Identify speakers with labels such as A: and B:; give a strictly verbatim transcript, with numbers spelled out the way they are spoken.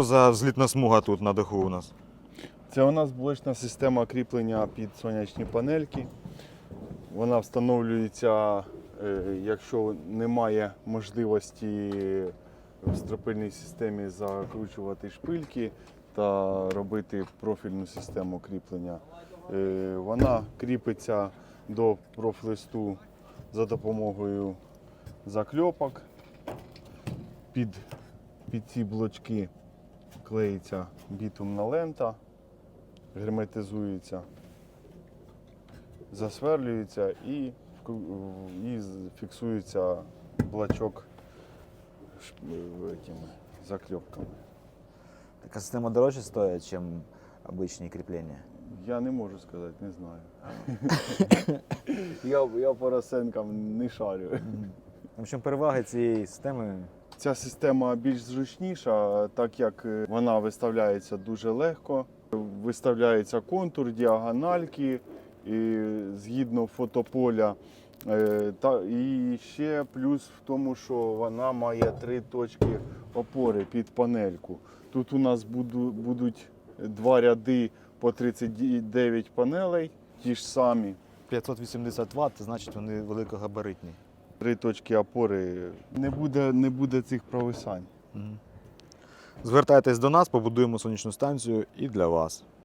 A: За злітна смуга тут на даху у нас.
B: Це у нас блочна система кріплення під сонячні панельки. Вона встановлюється, е, якщо немає можливості в стропильній системі закручувати шпильки та робити профільну систему кріплення. Е, Вона кріпиться до профлисту за допомогою закльопок. Під, під ці блочки клеїться бітумна лента, герметизується, засверлюється і, і фіксується блочок этими закльопками.
C: Така система дорожче стоїть, ніж обичні кріплення?
B: Я не можу сказати, не знаю. я, я по розценкам не шарю.
C: В общем, переваги цієї системи.
B: Ця система більш зручніша, так як вона виставляється дуже легко. Виставляється контур, діагональки, і згідно фотополя. Та, і ще плюс в тому, що вона має три точки опори під панельку. Тут у нас буду, будуть два ряди по тридцять дев'ять панелей, ті ж самі.
A: п'ятсот вісімдесят ватт, значить вони великогабаритні.
B: Три точки опори, не буде, не буде цих провисань.
A: Звертайтесь до нас, побудуємо сонячну станцію і для вас.